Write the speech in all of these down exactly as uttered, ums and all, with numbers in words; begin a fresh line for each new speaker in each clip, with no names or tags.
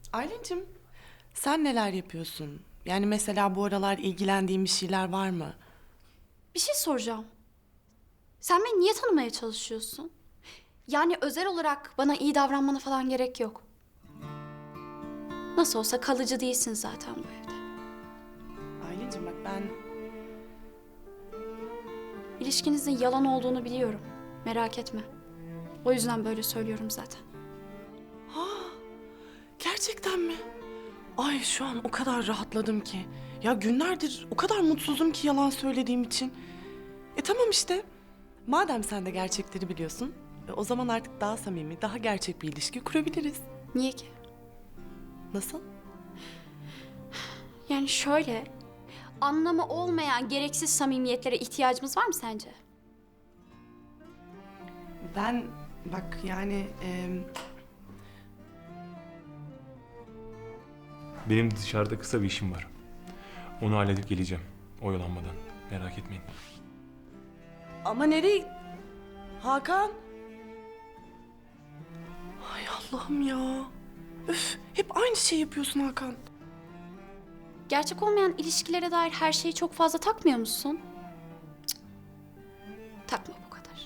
Aylin'cim, sen neler yapıyorsun? Yani mesela bu aralar ilgilendiğin bir şeyler var mı?
Bir şey soracağım. Sen beni niye tanımaya çalışıyorsun? Yani özel olarak bana iyi davranmana falan gerek yok. Nasıl olsa kalıcı değilsin zaten bu evde.
Aylin'cim bak ben...
İlişkinizin yalan olduğunu biliyorum. Merak etme. O yüzden böyle söylüyorum zaten.
Gerçekten mi? Ay şu an o kadar rahatladım ki. Ya günlerdir o kadar mutsuzum ki yalan söylediğim için. E tamam işte. Madem sen de gerçekleri biliyorsun, e, o zaman artık daha samimi, daha gerçek bir ilişki kurabiliriz.
Niye ki?
Nasıl?
Yani şöyle, anlamı olmayan gereksiz samimiyetlere ihtiyacımız var mı sence?
Ben bak yani... e,
Benim dışarıda kısa bir işim var. Onu halledip geleceğim. Oyalanmadan. Merak etmeyin.
Ama nereye? Hakan? Ay Allah'ım ya. Üf, hep aynı şey yapıyorsun Hakan.
Gerçek olmayan ilişkilere dair her şeyi çok fazla takmıyor musun? Cık. Takma bu kadar.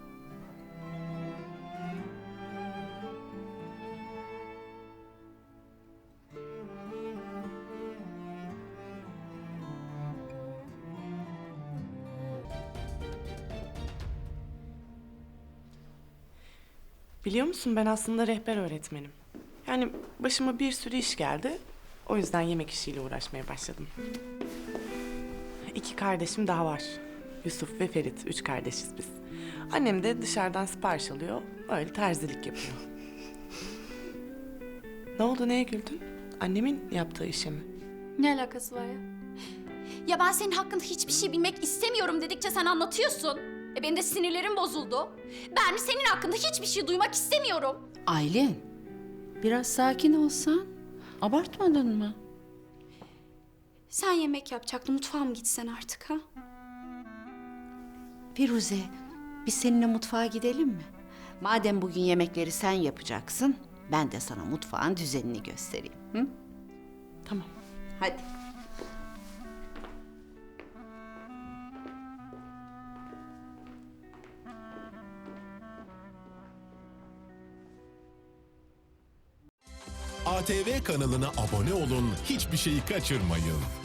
Biliyor musun ben aslında rehber öğretmenim. Yani başıma bir sürü iş geldi. O yüzden yemek işiyle uğraşmaya başladım. İki kardeşim daha var. Yusuf ve Ferit. Üç kardeşiz biz. Annem de dışarıdan sipariş alıyor. Öyle terzilik yapıyor. Ne oldu, neye güldün? Annemin yaptığı işe mi?
Ne alakası var ya? Ya ben senin hakkında hiçbir şey bilmek istemiyorum dedikçe sen anlatıyorsun. E benim de sinirlerim bozuldu. Ben senin hakkında hiçbir şey duymak istemiyorum.
Aylin, biraz sakin olsan. Abartmadın mı?
Sen yemek yapacaktın, mutfağa mı gitsen artık ha?
Firuze, biz seninle mutfağa gidelim mi? Madem bugün yemekleri sen yapacaksın, ben de sana mutfağın düzenini göstereyim. Hı?
Tamam.
Hadi.
A T V kanalına abone olun, hiçbir şeyi kaçırmayın.